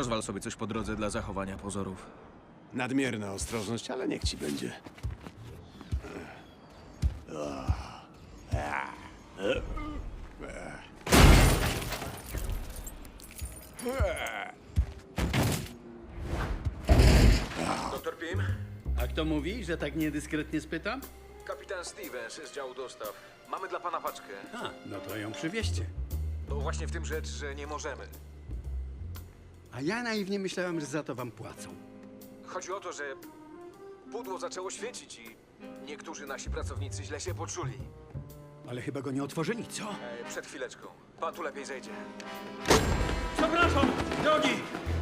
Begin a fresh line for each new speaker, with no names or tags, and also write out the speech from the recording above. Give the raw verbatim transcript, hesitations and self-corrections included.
Rozwal sobie coś po drodze dla zachowania pozorów.
Nadmierna ostrożność, ale niech ci będzie.
Doktor Pim?
A kto mówi, że tak niedyskretnie spytam?
Kapitan Stevens z działu dostaw. Mamy dla pana paczkę.
A, no to ją przywieźcie.
No właśnie w tym rzecz, że nie możemy.
A ja naiwnie myślałem, że za to wam płacą.
Chodzi o to, że pudło zaczęło świecić i niektórzy nasi pracownicy źle się poczuli.
Ale chyba go nie otworzyli, co?
E, przed chwileczką. Pan tu lepiej zejdzie.
Przepraszam, drogi!